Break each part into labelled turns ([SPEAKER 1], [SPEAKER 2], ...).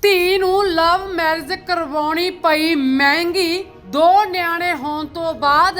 [SPEAKER 1] ਧੀ ਨੂੰ love marriage ਕਰਵਾਉਣੀ ਪਈ ਮਹਿੰਗੀ। 2 ਨਿਆਣੇ ਹੋਣ ਤੋਂ ਬਾਅਦ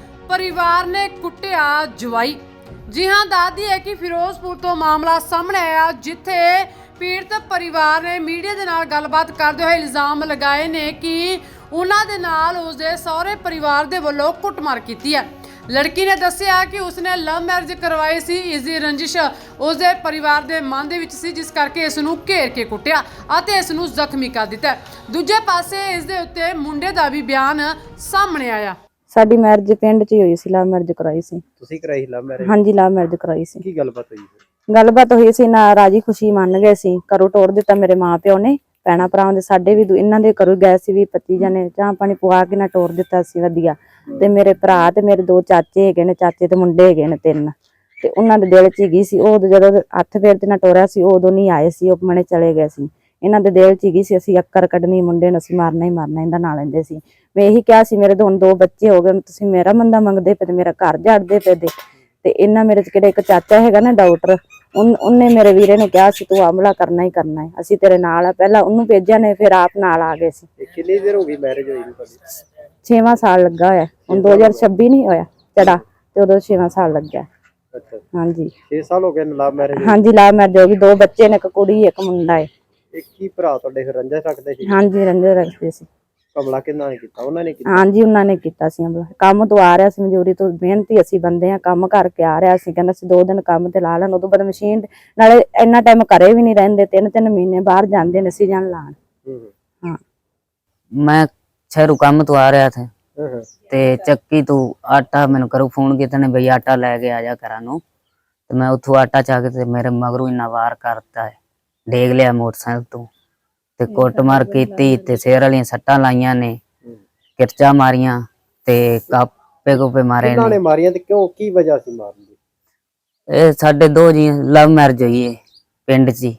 [SPEAKER 1] ਪਰਿਵਾਰ ਨੇ ਕੁੱਟਿਆ ਜਵਾਈ। ਜੀ ਹਾਂ, ਦੱਸਦੀ ਹੈ ਕਿ ਫਿਰੋਜ਼ਪੁਰ ਤੋਂ ਮਾਮਲਾ ਸਾਹਮਣੇ ਆਇਆ, ਜਿੱਥੇ ਪੀੜਤ ਪਰਿਵਾਰ ਨੇ ਮੀਡੀਆ ਦੇ ਨਾਲ ਗੱਲਬਾਤ ਕਰਦੇ ਹੋਏ ਇਲਜ਼ਾਮ ਲਗਾਏ ਨੇ ਕਿ ਉਹਨਾਂ ਦੇ ਨਾਲ ਉਸਦੇ ਸਹੁਰੇ ਪਰਿਵਾਰ ਦੇ ਵੱਲੋਂ ਕੁੱਟਮਾਰ ਕੀਤੀ ਹੈ। ਲੜਕੀ ਨੇ ਦੱਸਿਆ ਕਿ ਉਸਨੇ ਲਵ ਮੈਰਿਜ ਕਰਵਾਈ ਸੀ। ਇਸ ਦੀ ਰੰਜਿਸ਼ ਉਸਦੇ ਪਰਿਵਾਰ ਦੇ ਮਨ ਦੇ ਵਿੱਚ ਸੀ, ਜਿਸ ਕਰਕੇ ਇਸ ਨੂੰ ਘੇਰ ਕੇ ਕੁੱਟਿਆ ਅਤੇ ਇਸ ਨੂੰ ਜ਼ਖਮੀ ਕਰ ਦਿੱਤਾ। ਦੂਜੇ ਪਾਸੇ ਇਸ ਦੇ ਉੱਤੇ ਮੁੰਡੇ ਦਾ ਵੀ ਬਿਆਨ ਸਾਹਮਣੇ ਆਇਆ।
[SPEAKER 2] ਸਾਡੀ ਮੈਰਿਜ ਪਿੰਡ 'ਚ ਹੀ ਹੋਈ ਸੀ, ਲਵ ਮੈਰਿਜ ਕਰਾਈ ਸੀ।
[SPEAKER 3] ਤੁਸੀਂ ਕਰਾਈ ਲਵ ਮੈਰਿਜ?
[SPEAKER 2] ਹਾਂਜੀ, ਲਵ ਮੈਰਿਜ ਕਰਾਈ ਸੀ।
[SPEAKER 3] ਕੀ ਗੱਲਬਾਤ ਹੋਈ ਫਿਰ?
[SPEAKER 2] ਗੱਲਬਾਤ ਹੋਈ ਸੀ ਨਾ, ਰਾਜੀ ਖੁਸ਼ੀ ਮੰਨ ਗਏ ਸੀ। ਘਰੋਂ ਤੋੜ ਦਿੱਤਾ ਮੇਰੇ ਮਾਂ ਪਿਓ ਨੇ, ਭੈਣਾਂ ਭਰਾਵਾਂ ਦੇ ਸਾਡੇ ਵੀ ਇਹਨਾਂ ਦੇ ਘਰੋਂ ਗਏ ਸੀ ਵੀ 25 ਜਣੇ, ਚਾਹ ਪਾਣੀ ਪਵਾ ਕੇ ਨਾ ਤੋੜ ਦਿੱਤਾ ਸੀ ਵਧੀਆ। ਤੇ ਮੇਰੇ ਭਰਾ ਤੇ ਮੇਰੇ 2 ਚਾਚੇ ਹੈਗੇ ਨੇ, ਚਾਚੇ ਤੇ ਮੁੰਡੇ ਹੈਗੇ ਨੇ 3, ਤੇ ਉਹਨਾਂ ਦੇ ਦਿਲ 'ਚ ਹੀ ਸੀ। ਉਹ ਜਦੋਂ ਹੱਥ ਫੇਰ ਤੇ ਨਾ ਟੋਰਿਆ ਸੀ, ਉਦੋਂ ਨਹੀਂ ਆਏ ਸੀ, ਉਹ ਮਨੇ ਚਲੇ ਗਏ ਸੀ। ਇਹਨਾਂ ਦੇ ਦਿਲ 'ਚ ਹੀ ਸੀ ਅਸੀਂ ਅੱਕਰ ਕੱਢਣੀ, ਮੁੰਡੇ ਨੂੰ ਅਸੀਂ ਮਾਰਨਾ ਹੀ ਮਾਰਨਾ, ਇਹਦਾ ਨਾਂ ਲੈਂਦੇ ਸੀ। ਮੈਂ ਇਹੀ ਕਿਹਾ ਸੀ ਮੇਰੇ 2 ਬੱਚੇ ਹੋ ਗਏ, ਤੁਸੀਂ ਮੇਰਾ ਮੰਦਾ ਮੰਗਦੇ ਪਏ, ਮੇਰਾ ਘਰ ਝਾੜਦੇ ਪਏ ਦੇ। ਤੇ ਇਹਨਾਂ ਮੇਰੇ 'ਚ ਕਿਹੜਾ ਇੱਕ ਚਾਚਾ ਹੈਗਾ ਨਾ ਡਾਕਟਰ, ਉਹਨੇ ਮੇਰੇ ਵੀਰੇ ਨੂੰ ਕਿਹਾ ਸੀ ਤੂੰ ਹਮਲਾ ਕਰਨਾ ਹੀ ਕਰਨਾ ਹੈ, ਅਸੀਂ ਤੇਰੇ ਨਾਲ ਆ। ਪਹਿਲਾਂ ਉਹਨੂੰ ਭੇਜਿਆ ਨੇ, ਫਿਰ ਆਪ ਨਾਲ ਆ ਗਏ ਸੀ।
[SPEAKER 3] ਕਿੰਨੀ ਦੇਰ ਹੋ ਗਈ ਮੈਰਿਜ ਹੋਈ ਨੂੰ ਤੁਹਾਡੀ?
[SPEAKER 2] 6ਵਾਂ ਸਾਲ ਲੱਗਾ ਹੋਇਆ ਹੁਣ, 2026 ਨਹੀਂ ਹੋਇਆ ਚੜਾ ਤੇ ਉਦੋਂ 6ਵਾਂ ਸਾਲ ਲੱਗਿਆ।
[SPEAKER 3] ਅੱਛਾ,
[SPEAKER 2] ਹਾਂਜੀ
[SPEAKER 3] 6 ਸਾਲ ਹੋ ਗਏ ਲਵ ਮੈਰਿਜ?
[SPEAKER 2] ਹਾਂਜੀ, ਲਵ ਮੈਰਿਜ ਹੋ ਗਈ। 2 ਬੱਚੇ ਨੇ, ਇੱਕ ਕੁੜੀ ਇੱਕ ਮੁੰਡਾ ਹੈ।
[SPEAKER 3] ਇੱਕ ਹੀ ਭਰਾ ਤੁਹਾਡੇ ਫਿਰ ਰੰਜਾ ਰੱਖਦੇ ਸੀ?
[SPEAKER 2] ਹਾਂਜੀ, ਰੰਜੇ ਰੱਖਦੇ ਸੀ।
[SPEAKER 3] ਹਮਲਾ ਕਿਹਨਾਂ ਨੇ ਕੀਤਾ? ਉਹਨਾਂ ਨੇ ਕੀਤਾ?
[SPEAKER 2] ਹਾਂਜੀ, ਉਹਨਾਂ ਨੇ ਕੀਤਾ ਸੀ ਹਮਲਾ। ਕੰਮ ਤੋਂ ਆ ਰਿਹਾ ਸੀ, ਮਜ਼ਦੂਰੀ ਤੋਂ, ਮਿਹਨਤੀ ਅਸੀਂ ਬੰਦੇ ਆ, ਕੰਮ ਕਰਕੇ ਆ ਰਿਹਾ ਸੀ। ਕਹਿੰਦਾ ਸੀ 2 ਦਿਨ ਕੰਮ ਤੇ ਲਾ ਲੈਣ, ਉਦੋਂ ਬਾਅਦ ਮਸ਼ੀਨ ਨਾਲੇ ਇੰਨਾ ਟਾਈਮ ਘਰੇ ਵੀ ਨਹੀਂ ਰਹਿੰਦੇ, 3-3 ਮਹੀਨੇ ਬਾਹਰ ਜਾਂਦੇ ਨੇ ਸੀਜ਼ਨ ਲਾਣ। हाँ,
[SPEAKER 4] मैं शहरों काम तो आ रहा था ते चक्की तो आटा मैंने करो फोन किया ने भाई आटा लेके आ जा करा नो, तो मैं उथों आटा चाह के मेरे मगरों इन्ना वार करता है, डेग लिया मोटरसाइकिल तो ते कुटमार कीती ते सिर वाली सट्टां लाइयां ने, किरचा मारियां ते कापे कोपे मारे
[SPEAKER 3] ने। मारियां ते क्यों, की वजह सी मारन दी?
[SPEAKER 4] ए साडे 2 जी लव मैरिज हुई है पिंड च,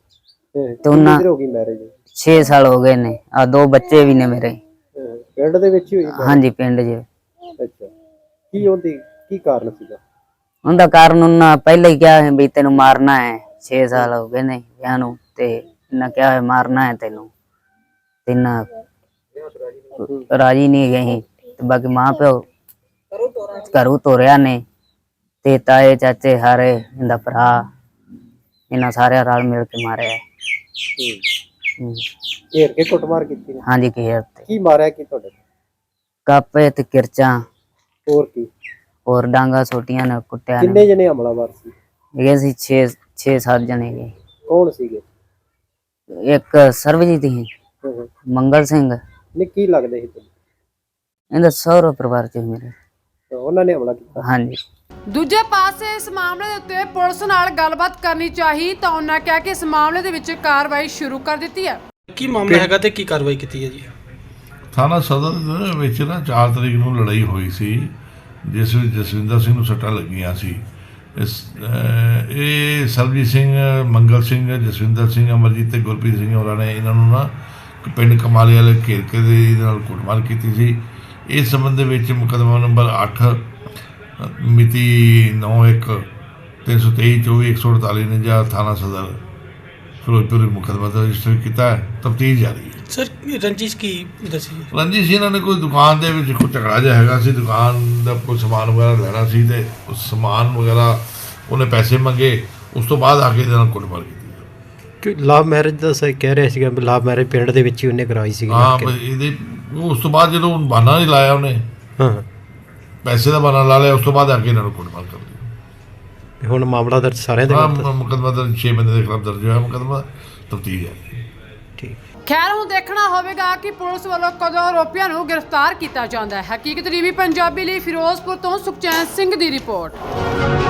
[SPEAKER 4] ते उन्ना
[SPEAKER 3] हो गई मैरिज?
[SPEAKER 4] 6 साल हो गए ने। आ 2 बच्चे भी ने मेरे
[SPEAKER 3] ਪਿੰਡ ਦੇ ਵਿੱਚ ਹੀ ਹੋਈ?
[SPEAKER 4] ਹਾਂਜੀ, ਪਿੰਡ 'ਚ।
[SPEAKER 3] ਅੱਛਾ, ਕੀ ਉਹਦੀ ਕੀ ਕਾਰਨ ਸੀਗਾ?
[SPEAKER 4] ਉਹਦਾ ਕਾਰਨ ਉਹਨਾਂ ਪਹਿਲਾਂ ਹੀ ਕਿਹਾ ਹੈ ਵੀ ਤੈਨੂੰ ਮਾਰਨਾ ਹੈ। 6 ਸਾਲ ਹੋ ਗਏ ਨੇ ਵਿਆਹ ਨੂੰ ਤੇ ਇਹਨਾਂ ਕਿਹਾ ਹੈ ਮਾਰਨਾ ਹੈ ਤੈਨੂੰ, ਤੇ ਇਹਨਾਂ ਰਾਜੀ ਨਹੀਂ ਗਏ ਤੇ ਬਾਕੀ ਮਾਂ ਪਿਓ ਘਰੋਂ ਤੋਰਿਆ ਨੇ ਤੇ ਤਾਏ ਚਾਚੇ ਹਾਰੇ ਇਹਦਾ ਭਰਾ, ਇਹਨਾਂ ਸਾਰਿਆਂ ਰਲ ਮਿਲ ਕੇ ਮਾਰਿਆ।
[SPEAKER 3] ਘੇਰ ਕੇ ਕੁੱਟਮਾਰ ਕੀਤੀ?
[SPEAKER 4] ਹਾਂਜੀ, ਘੇਰ ਤੇ।
[SPEAKER 3] ਕੀ ਮਾਰਿਆ ਕੀ ਤੁਹਾਡੇ?
[SPEAKER 4] ਕਾਪੇ ਤੇ ਕਿਰਚਾਂ,
[SPEAKER 3] ਹੋਰ ਕੀ?
[SPEAKER 4] ਹੋਰ ਡਾਂਗਾ ਛੋਟੀਆਂ ਨੇ ਕੁੱਟਿਆ।
[SPEAKER 3] ਕਿੰਨੇ ਜਣੇ ਹਮਲਾਵਰ ਸੀ?
[SPEAKER 4] ਇਹ ਸੀ 6-7 ਜਣੇ ਗਏ।
[SPEAKER 3] ਕੌਣ ਸੀਗੇ?
[SPEAKER 4] ਇੱਕ ਸਰਬਜੀਤ ਸੀ, ਮੰਗਲ ਸਿੰਘ
[SPEAKER 3] ਨੇ। ਕੀ ਲੱਗਦੇ ਸੀ ਤੁਹਾਨੂੰ?
[SPEAKER 4] ਇਹਦਾ ਸਹੁਰਾ ਪਰਿਵਾਰ ਚ ਮੇਰੇ।
[SPEAKER 3] ਉਹਨਾਂ ਨੇ ਹਮਲਾ ਕੀਤਾ?
[SPEAKER 4] ਹਾਂਜੀ।
[SPEAKER 1] ਦੂਜੇ ਪਾਸੇ ਇਸ ਮਾਮਲੇ ਦੇ ਉੱਤੇ ਪੁਲਿਸ ਨਾਲ ਗੱਲਬਾਤ ਕਰਨੀ ਚਾਹੀ ਤਾਂ ਉਹਨਾਂ ਕਿਹਾ ਕਿ ਇਸ ਮਾਮਲੇ ਦੇ ਵਿੱਚ ਕਾਰਵਾਈ ਸ਼ੁਰੂ ਕਰ ਦਿੱਤੀ ਹੈ।
[SPEAKER 5] ਕੀ ਮਾਮਲਾ ਹੈਗਾ ਤੇ ਕੀ ਕਾਰਵਾਈ ਕੀਤੀ ਹੈ ਜੀ?
[SPEAKER 6] ਥਾਣਾ ਸਦਰ ਦੇ ਵਿੱਚ ਨਾ 4 ਤਰੀਕ ਨੂੰ ਲੜਾਈ ਹੋਈ ਸੀ, ਜਿਸ ਵਿੱਚ ਜਸਵਿੰਦਰ ਸਿੰਘ ਨੂੰ ਸੱਟਾਂ ਲੱਗੀਆਂ ਸੀ। ਇਹ ਸਰਬਜੀਤ ਸਿੰਘ, ਮੰਗਲ ਸਿੰਘ, ਜਸਵਿੰਦਰ ਸਿੰਘ, ਅਮਰਜੀਤ ਤੇ ਗੁਰਪ੍ਰੀਤ ਸਿੰਘ ਹੋਰਾਂ ਨੇ ਇਹਨਾਂ ਨੂੰ ਨਾ ਪਿੰਡ ਕਮਾਲੇ ਵਾਲੇ ਘੇਰ ਕੇ ਦੇ ਇਹਦੇ ਨਾਲ ਕੁੱਟਮਾਰ ਕੀਤੀ ਸੀ। ਇਸ ਸੰਬੰਧ ਦੇ ਵਿੱਚ ਮੁਕੱਦਮਾ ਨੰਬਰ 8 ਮਿਤੀ 9/1/323/24/148 ਨੇ ਜਾਂ ਥਾਣਾ ਸਦਰ ਫਿਰੋਜ਼ਪੁਰ ਮੁਕੱਦਮਾ ਰਜਿਸਟਰ ਕੀਤਾ ਹੈ। ਤਫਤੀਸ਼ ਜਾਰੀ ਹੈ।
[SPEAKER 5] ਸਰ, ਰੰਜਿਸ਼ ਕੀ ਦੱਸੀ?
[SPEAKER 6] ਰੰਜਿਸ਼ ਇਹਨਾਂ ਨੇ ਕੋਈ ਦੁਕਾਨ ਦੇ ਵਿੱਚ ਕੋਈ ਝਗੜਾ ਜਿਹਾ ਹੈਗਾ ਸੀ, ਦੁਕਾਨ ਦਾ ਕੋਈ ਸਮਾਨ ਵਗੈਰਾ ਲੈਣਾ ਸੀ ਤੇ ਉਸ ਸਮਾਨ ਵਗੈਰਾ ਉਹਨੇ ਪੈਸੇ ਮੰਗੇ, ਉਸ ਤੋਂ ਬਾਅਦ ਆ ਕੇ ਇਹਦੇ ਨਾਲ ਕੁੱਟਮਾਰ ਕੀਤੀ।
[SPEAKER 3] ਕਿ ਲਵ ਮੈਰਿਜ ਦਾ ਸਹੀ ਕਹਿ ਰਿਹਾ ਸੀਗਾ, ਲਵ ਮੈਰਿਜ ਪਿੰਡ ਦੇ ਵਿੱਚ ਹੀ ਉਹਨੇ ਕਰਵਾਈ ਸੀ?
[SPEAKER 6] ਹਾਂ, ਇਹਦੇ ਉਸ ਤੋਂ ਬਾਅਦ ਜਦੋਂ ਬਹਾਨਾ ਨਹੀਂ ਲਾਇਆ ਉਹਨੇ, ਪੈਸੇ ਦਾ ਬਹਾਨਾ ਲਾ ਲਿਆ, ਉਸ ਤੋਂ ਬਾਅਦ ਆ ਕੇ ਇਹਨਾਂ ਨੂੰ ਕੁੱਟਮਾਰ ਕਰ ਦਿੱਤੀ।
[SPEAKER 3] ਹੁਣ ਮਾਮਲਾ ਦਰਜ ਸਾਰਿਆਂ ਦੇ
[SPEAKER 6] ਮੁਕੱਦਮਾ ਦਰਜ 6 ਬੰਦੇ ਦੇ ਖਿਲਾਫ ਦਰਜ ਹੋਇਆ ਮੁਕੱਦਮਾ, ਤਫਤੀਸ਼ ਹੈ।
[SPEAKER 3] ਠੀਕ।
[SPEAKER 1] ਖੈਰ, ਹੁਣ ਦੇਖਣਾ ਹੋਵੇਗਾ ਕਿ ਪੁਲਿਸ ਵੱਲੋਂ ਕਦੋਂ ਆਰੋਪੀਆਂ ਨੂੰ ਗ੍ਰਿਫਤਾਰ ਕੀਤਾ ਜਾਂਦਾ ਹੈ। ਹਕੀਕਤ ਟੀਵੀ ਪੰਜਾਬੀ ਲਈ ਫਿਰੋਜ਼ਪੁਰ ਤੋਂ ਸੁਖਚੈਨ ਸਿੰਘ ਦੀ ਰਿਪੋਰਟ।